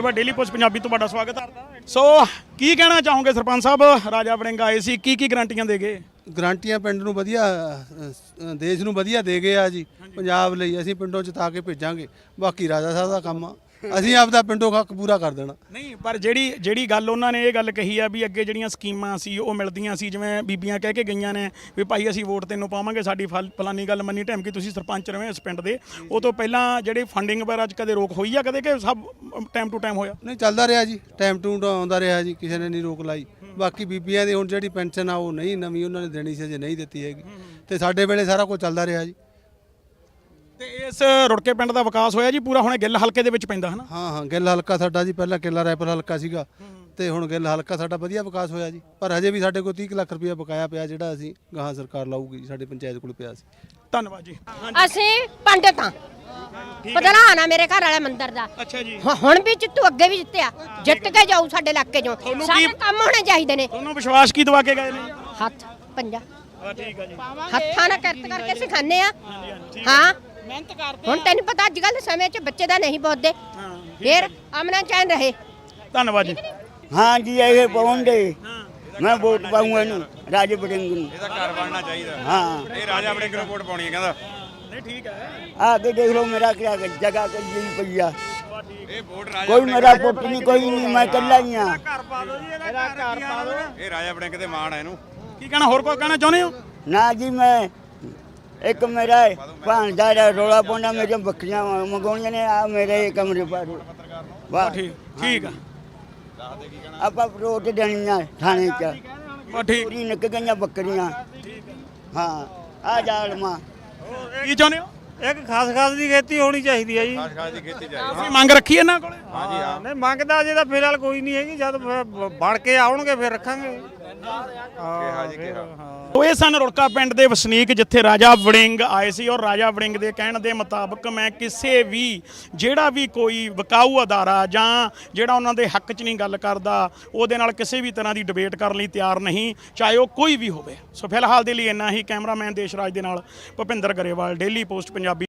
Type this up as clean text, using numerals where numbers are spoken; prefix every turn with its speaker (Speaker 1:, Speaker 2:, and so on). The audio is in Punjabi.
Speaker 1: डेली पोस्ट पंजाबी तो बड़ा स्वागत है। सो की कहना चाहोगे सरपंच साहब, राजा वड़िंग आए सी की ਗਰੰਟੀਆਂ ਦੇ ਗਏ?
Speaker 2: ਗਰੰਟੀਆਂ ਪਿੰਡ ਨੂੰ ਵਧੀਆ ਦੇਸ਼ ਨੂੰ ਵਧੀਆ ਦੇ ਗਏ ਆ ਜੀ। ਪੰਜਾਬ ਲਈ ਅਸੀਂ ਪਿੰਡੋਂ ਜਿਤਾ ਕੇ ਭੇਜਾਂਗੇ, ਬਾਕੀ ਰਾਜਾ ਸਾਹਿਬ ਦਾ ਕੰਮ ਆ, ਅਸੀਂ ਆਪਦਾ ਪਿੰਡੋਂ ਹੱਕ ਪੂਰਾ ਕਰ ਦੇਣਾ।
Speaker 1: ਨਹੀਂ ਪਰ ਜਿਹੜੀ ਗੱਲ ਉਹਨਾਂ ਨੇ ਇਹ ਗੱਲ ਕਹੀ ਆ ਵੀ ਅੱਗੇ ਜਿਹੜੀਆਂ ਸਕੀਮਾਂ ਸੀ ਉਹ ਮਿਲਦੀਆਂ ਸੀ, ਜਿਵੇਂ ਬੀਬੀਆਂ ਕਹਿ ਕੇ ਗਈਆਂ ਨੇ ਵੀ ਭਾਈ ਅਸੀਂ ਵੋਟ ਤੈਨੂੰ ਪਾਵਾਂਗੇ, ਸਾਡੀ ਫਲਾਨੀ ਗੱਲ ਮੰਨੀ ਢੈਮ ਕਿ ਤੁਸੀਂ ਸਰਪੰਚ ਰਹੇ ਇਸ ਪਿੰਡ ਦੇ, ਉਹ ਤੋਂ ਪਹਿਲਾਂ ਜਿਹੜੀ ਫੰਡਿੰਗ ਵਗੈਰਾ 'ਚ ਕਦੇ ਰੋਕ ਹੋਈ ਆ ਕਦੇ ਕਿ ਸਭ ਟਾਈਮ ਟੂ ਟਾਈਮ ਹੋਇਆ?
Speaker 2: ਨਹੀਂ ਚੱਲਦਾ ਰਿਹਾ ਜੀ, ਟਾਈਮ ਟੂ ਆਉਂਦਾ ਰਿਹਾ ਜੀ, ਕਿਸੇ ਨੇ ਨਹੀਂ ਰੋਕ ਲਾਈ। ਬਾਕੀ ਬੀਬੀਆਂ ਦੀ ਹੁਣ ਜਿਹੜੀ ਪੈਨਸ਼ਨ ਆ ਉਹ ਨਹੀਂ ਨਵੀਂ ਉਹਨਾਂ ਨੇ ਦੇਣੀ ਸੀ, ਅਜੇ ਨਹੀਂ ਦਿੱਤੀ ਹੈਗੀ, ਤੇ ਸਾਡੇ ਵੇਲੇ ਸਾਰਾ ਕੁਝ ਚੱਲਦਾ ਰਿਹਾ ਜੀ।
Speaker 1: ਤੇ ਇਸ ਰੁੜਕੇ ਪਿੰਡ ਦਾ ਵਿਕਾਸ ਹੋਇਆ ਜੀ ਪੂਰਾ? ਹੁਣ ਗਿੱਲ ਹਲਕੇ ਦੇ ਵਿੱਚ ਪੈਂਦਾ ਹੈ ਨਾ?
Speaker 2: ਹਾਂ ਗਿੱਲ ਹਲਕਾ ਸਾਡਾ ਜੀ, ਪਹਿਲਾਂ ਕਿਲਾ ਰਾਏਪੁਰ ਹਲਕਾ ਸੀਗਾ ਤੇ ਹੁਣ ਗਿੱਲ ਹਲਕਾ ਸਾਡਾ ਵਧੀਆ ਵਿਕਾਸ ਹੋਇਆ ਜੀ। ਪਰ ਹਜੇ ਵੀ ਸਾਡੇ ਕੋਲ 30 ਲੱਖ ਰੁਪਇਆ ਬਕਾਇਆ ਪਿਆ, ਜਿਹੜਾ ਅਸੀਂ ਗਾਹਾਂ ਸਰਕਾਰ ਲਾਊਗੀ, ਸਾਡੇ ਪੰਚਾਇਤ ਕੋਲ ਪਿਆ ਸੀ।
Speaker 1: ਧੰਨਵਾਦ ਜੀ।
Speaker 3: ਅਸੀਂ ਪੰਡਿਤ ਹਾਂ, ਪ੍ਰਧਾਨ ਆ ਮੇਰੇ ਘਰ ਵਾਲਾ ਮੰਦਿਰ ਦਾ।
Speaker 1: ਅੱਛਾ ਜੀ।
Speaker 3: ਹੁਣ ਵੀ ਜਿੱਤੂ, ਅੱਗੇ ਵੀ ਜਿੱਤਿਆ, ਜਿੱਤ ਕੇ ਜਾਊ ਸਾਡੇ ਇਲਾਕੇ ਚੋਂ। ਸਾਰੇ ਕੰਮ ਹੋਣੇ ਚਾਹੀਦੇ ਨੇ।
Speaker 1: ਤੁਹਾਨੂੰ ਵਿਸ਼ਵਾਸ ਕੀ ਦਵਾ ਕੇ ਗਏ ਨੇ?
Speaker 3: ਹੱਥ ਪੰਜਾ
Speaker 1: ਠੀਕ ਆ ਜੀ।
Speaker 3: ਹੱਥਾਂ ਨਾਲ ਕਿਰਤ ਕਰਕੇ ਸਿਖਾਉਂਦੇ ਆ। ਹਾਂ ਮਿਹਨਤ ਕਰਦੇ। ਹੁਣ ਤੈਨੂੰ ਪਤਾ ਅੱਜ ਕੱਲ੍ਹ ਸਮੇਂ 'ਚ ਬੱਚੇ ਦਾ ਨਹੀਂ ਪੁੱਛਦੇ, ਫਿਰ ਅਮਨਾ ਚੈਨ ਰਹੇ।
Speaker 1: ਧੰਨਵਾਦ ਜੀ।
Speaker 4: हाँ जी ये पाऊंगे मैं वोट पाऊंगा इन राजा वड़िंग ਨੂੰ।
Speaker 5: ਇਹਦਾ ਘਰ ਬਣਨਾ ਚਾਹੀਦਾ।
Speaker 4: हाँ
Speaker 5: ਇਹ ਰਾਜਾ ਵੜਿੰਗ ਨੂੰ ਵੋਟ ਪਾਉਣੀ ਹੈ ਕਹਿੰਦਾ।
Speaker 1: ਨਹੀਂ ਠੀਕ ਹੈ।
Speaker 4: आगे देख लो मेरा क्या जगह कर दी भैया,
Speaker 5: ਇਹ ਵੋਟ ਰਾਜਾ
Speaker 4: कोई मेरा पुट नहीं, कोई नहीं, मैं कल्ला ही हाँ।
Speaker 1: ਘਰ ਪਾ ਦਿਓ ਜੀ, ਇਹਦਾ ਘਰ ਪਾ ਦਿਓ।
Speaker 5: ਇਹ ਰਾਜਾ ਵੜਿੰਗ ਤੇ ਮਾਣ ਹੈ ਇਹਨੂੰ।
Speaker 1: ਕੀ ਕਹਿਣਾ, ਹੋਰ ਕੋਈ ਕਹਿਣਾ ਚਾਹੁੰਦੇ ਹੋ?
Speaker 4: ना जी मैं एक मेरा भांजा रोला पाउंदा, मेरे बकरियां मंगाउणियां ने, आ मेरे कमरे पर वाह
Speaker 1: ਠੀਕ ਆ।
Speaker 4: ਆਪਾਂ ਰੋਟ ਦੇਣੀਆਂ ਥਾਣੇ 'ਚ,
Speaker 1: ਠੀਕ।
Speaker 4: ਪੂਰੀ ਨਿਕ ਗਈਆਂ ਬੱਕਰੀਆਂ। ਹਾਂ ਆ ਜਾਲਮਾ
Speaker 1: ਕੀ ਚਾਹੁੰਦੇ ਹੋ?
Speaker 6: ਇੱਕ ਖਾਸ ਦੀ ਖੇਤੀ ਹੋਣੀ ਚਾਹੀਦੀ ਹੈ ਜੀ।
Speaker 5: ਖਾਸ ਦੀ ਖੇਤੀ ਚਾਹੀਦੀ।
Speaker 1: ਤੁਸੀਂ ਮੰਗ ਰੱਖੀ ਇਹਨਾਂ ਕੋਲੇ?
Speaker 5: ਹਾਂਜੀ ਹਾਂ।
Speaker 6: ਨਹੀਂ ਮੰਗਦਾ ਜੇ ਤਾਂ ਫਿਲਹਾਲ ਕੋਈ ਨਹੀਂ ਹੈਗੀ, ਜਦ ਬਣ ਕੇ ਆਉਣਗੇ ਫਿਰ ਰੱਖਾਂਗੇ।
Speaker 5: ਕਿਹਾ ਜੀ ਕਿਹਾ।
Speaker 1: ਤੋ ਇਹ ਸਨ ਰੁੜਕਾ ਪਿੰਡ ਦੇ ਵਸਨੀਕ, ਜਿੱਥੇ ਰਾਜਾ ਵੜਿੰਗ ਆਏ ਸੀ ਔਰ ਰਾਜਾ ਵੜਿੰਗ ਦੇ ਕਹਿਣ ਦੇ ਮੁਤਾਬਕ ਮੈਂ ਕਿਸੇ ਵੀ ਜਿਹੜਾ ਵੀ ਕੋਈ ਵਿਕਾਊ ਅਦਾਰਾ ਜਾਂ ਜਿਹੜਾ ਉਹਨਾਂ ਦੇ ਹੱਕ 'ਚ ਨਹੀਂ ਗੱਲ ਕਰਦਾ ਉਹਦੇ ਨਾਲ ਕਿਸੇ ਵੀ ਤਰ੍ਹਾਂ ਦੀ ਡਿਬੇਟ ਕਰਨ ਲਈ ਤਿਆਰ ਨਹੀਂ, ਚਾਹੇ ਉਹ ਕੋਈ ਵੀ ਹੋਵੇ। ਸੋ ਫਿਲਹਾਲ ਦੇ ਲਈ ਇੰਨਾ ਹੀ। ਕੈਮਰਾਮੈਨ ਦੇਸ਼ਰਾਜ ਦੇ ਨਾਲ ਭੁਪਿੰਦਰ ਗਰੇਵਾਲ, ਡੇਲੀ ਪੋਸਟ ਪੰਜਾਬੀ।